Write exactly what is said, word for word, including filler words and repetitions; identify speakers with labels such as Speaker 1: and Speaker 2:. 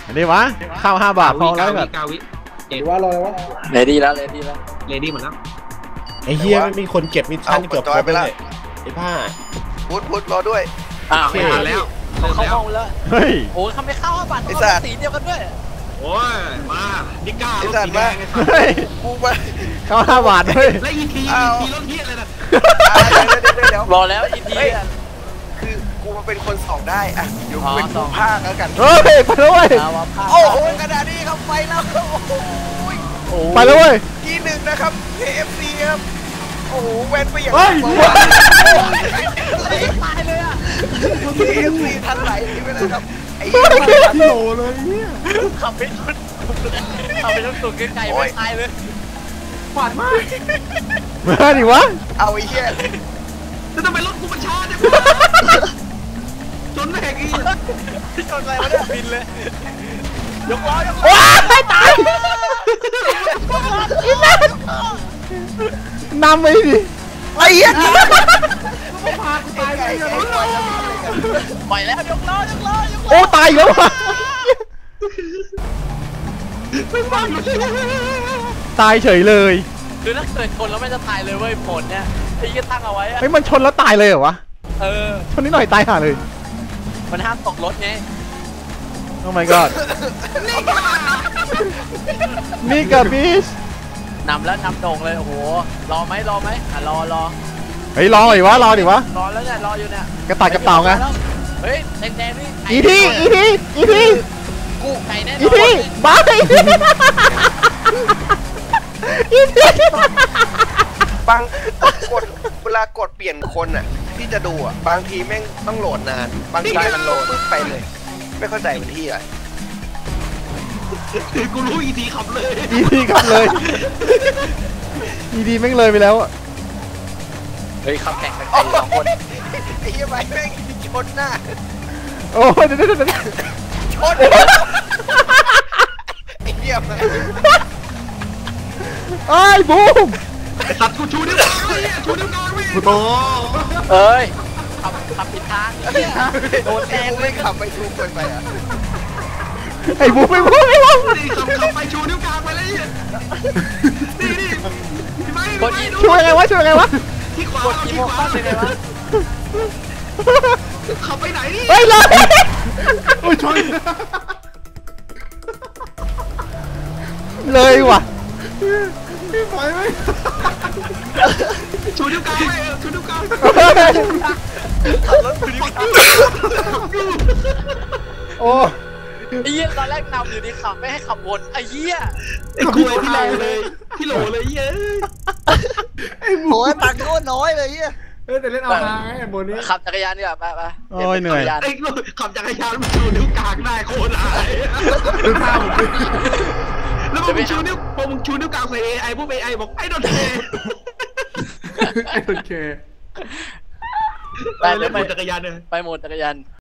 Speaker 1: อันนี้วะข้าวห้าบาทพอแล้วแบบ
Speaker 2: กาวิเจ็ด
Speaker 3: ว่ารอเลยวะ
Speaker 4: เลดี้แล้วเลดี้แล้ว
Speaker 2: เลดี้หมดแล้ว
Speaker 1: ไอ้เฮียไม่มีคนเก็บมิชชั่นเกือบครบเลยไอ้ผ้า
Speaker 5: พุทธพุทธรอด้วย
Speaker 4: อ้าว
Speaker 2: ไม่ทันแล้ว
Speaker 4: เขาเข้าห้องแล้ว
Speaker 1: เฮ้ย
Speaker 4: โอ้ทำไมเข้าห้าบาท
Speaker 5: ไอ้สัตว์
Speaker 4: สีเดียวกันด้วย
Speaker 2: โอ้ยมานิก้า
Speaker 5: ไอ้
Speaker 2: รถ
Speaker 5: สัต
Speaker 2: สี
Speaker 5: ว์
Speaker 2: แด
Speaker 5: มา
Speaker 2: งไอ้สัตว์
Speaker 1: เฮ้ย
Speaker 5: กูมา
Speaker 1: ข้าวห้าบาทเฮ้ย
Speaker 2: และอีทีอีทีรถเฮียเลยนะ
Speaker 5: อ่าเดี๋ยวเดี๋ยวเดี๋ยว
Speaker 4: รอแล้วอีทีอ่ะ
Speaker 5: คือกูมาเป็นคนสองได้อะเดี๋ยว
Speaker 4: อ๋
Speaker 5: กู
Speaker 4: อ
Speaker 5: เป็น
Speaker 4: ส
Speaker 5: ผู้
Speaker 4: อง
Speaker 5: ภาคแล้วกัน
Speaker 1: เฮ้ยไปแล้วเว้ย
Speaker 4: เอาวะผ้า
Speaker 5: โอ้โหขนาดนี้ครับไปแล้วโอ้โห
Speaker 4: โอ้
Speaker 1: ไปแล้วเว้ย
Speaker 5: ที่หนึ่งนะครับ เค เอฟ ซี ครับโอ้โหแวนไปอย่าง
Speaker 1: เฮ้ย
Speaker 4: ตายเลยอ่ะ
Speaker 5: เค เอฟ ซี ทันไหลนี่ไปเลยครับไอ้
Speaker 1: โหลเลยเนี่ย
Speaker 4: ขับไปชนขับไปชนสุดไกลๆไม่ตายเลย
Speaker 1: มาดิวะ
Speaker 5: เอาไอ้เหี้ย
Speaker 2: จะทำไมรถกูมันช้าจังจนแหกอีก
Speaker 4: ที่ชนอะไรวะเนี่ยบินเลยยกล้อยกล้อ
Speaker 1: ว้ายตายอีนั่นนำไปดิ
Speaker 5: ไอ้เหี้ย
Speaker 1: พากูตายไป
Speaker 5: ไอ้
Speaker 1: เลย
Speaker 5: ไอ้ไอ้ไอ้
Speaker 4: ปล่อยแล้วยกล้อยกล้อยกล้อ
Speaker 1: โอ้ตายแล้ววะ
Speaker 2: ไม่ฟังเลย
Speaker 1: ตายเฉยเลย
Speaker 4: คือถ้าเกิดชนแล้วไม่จะตายเลยเว้ยผลเนี่ยไอ้ยี่ตั้งเอาไว้อะ
Speaker 1: เฮ้ยมันชนแล้วตายเลยเหรอวะ
Speaker 4: เออ
Speaker 1: ชนนิดหน่อยตายห่าเลย
Speaker 4: มันห้ามตกรถไง
Speaker 1: โอ้ my god นี่กับบิช
Speaker 4: นำแล้วนำโด่งเลยโอ้โหรอไหมรอไหมอ่ะรอรอ
Speaker 1: เฮ้ยรอดิวะรอดิวะ
Speaker 4: รอแล้วเนี่ยรออยู่เนี่ย
Speaker 1: กระต่ายกับเต่าไง
Speaker 4: เฮ้ยแดงๆนี่
Speaker 1: อีทีอีทีอีที
Speaker 4: กูไก่แน่น
Speaker 1: อี
Speaker 4: อน
Speaker 1: ทีบ้าอีทีอีที
Speaker 5: บางกดเวลากดเปลี่ยนคนอ่ะที่จะดูอ่ะบางทีแม่งต้องโหลดนาน บางทีมันโหลดปุ๊บไปเลย ไม่เข้าใจมันที่อะไร
Speaker 2: กูรู้อีทีขับเลย
Speaker 1: อีทีกลับเลยอีทีแม่งเลยไปแล้วอะ
Speaker 4: เฮ้ยขับแข่งกันไก่สองคน
Speaker 5: ไอ้เหี้ยไปแม่งชนหน้า
Speaker 1: โอ้ยเดี๋ยวเดี๋ยวเดี๋ยว
Speaker 5: ชนไอ้เหี้ยมา
Speaker 1: ไอ้ยบูม
Speaker 2: สัตว์กูชูนิ้วกลางเลยชูนิ้วกลางเลยโต
Speaker 4: เอ้ยขับขับผิดทางไอ้เหี้ยโดนแท
Speaker 5: แก
Speaker 4: ง
Speaker 5: ง
Speaker 4: เล
Speaker 5: ไม่
Speaker 4: ย
Speaker 5: ขับไปทุกคนไปอ่ะ
Speaker 1: ไอ้บูมไอ้บูมไอ้บูม
Speaker 2: นี่ขับขับไปชูนิ้วกลางไปเลยนี่นี่พี่ไม้
Speaker 4: กดอี
Speaker 1: ช่วยไงวะช่วยไงวะ
Speaker 2: ที่ขวาก
Speaker 4: ดอี
Speaker 2: ที่
Speaker 4: โม
Speaker 2: ขวา
Speaker 4: เข้าเลยไงวะ
Speaker 2: ขับไปไหนนี่
Speaker 1: เฮ้ยเลย
Speaker 3: โอ้ยชน
Speaker 1: เลยว่ะ
Speaker 3: พี่ปล่อยไหม
Speaker 2: ชูนิ้วกลางไปชูนิ้วกลาง
Speaker 5: ขับรถไปดิ
Speaker 1: โอ้
Speaker 4: ไอ้เหี้ยตอนแรกนำอยู่ดีขับไม่ให้ขับวนไอ้เหี้ย
Speaker 2: ไอ้คุยที่โหลเลยที่โหลเลยเย้ย
Speaker 3: ไอ้บู
Speaker 5: โอ้ยตังค์โคตรน้อยเลยเหี้ย
Speaker 3: เฮ้ยแต่เล่นเอาฮาไงไอ้โบนี้
Speaker 4: ขับจักรยานดีกว่าไปไป
Speaker 1: โอ้ยเหนื่อย
Speaker 2: ไอ้ขับจักรยานมันชูนิ้วกลางได้โคตรอาย
Speaker 3: ดูท่าผมดิ
Speaker 2: แล้วพอมึงชูนิ้วพอมึงชูนิ้วกลางใส่เอไอพวกเอไอบอกไอ้โดนเท
Speaker 3: ไอ้โอเค
Speaker 4: ไป
Speaker 2: เล่
Speaker 4: เดี๋ย
Speaker 2: น
Speaker 4: วไป
Speaker 2: จักรยานเลย
Speaker 4: ไปหมดจักรยาน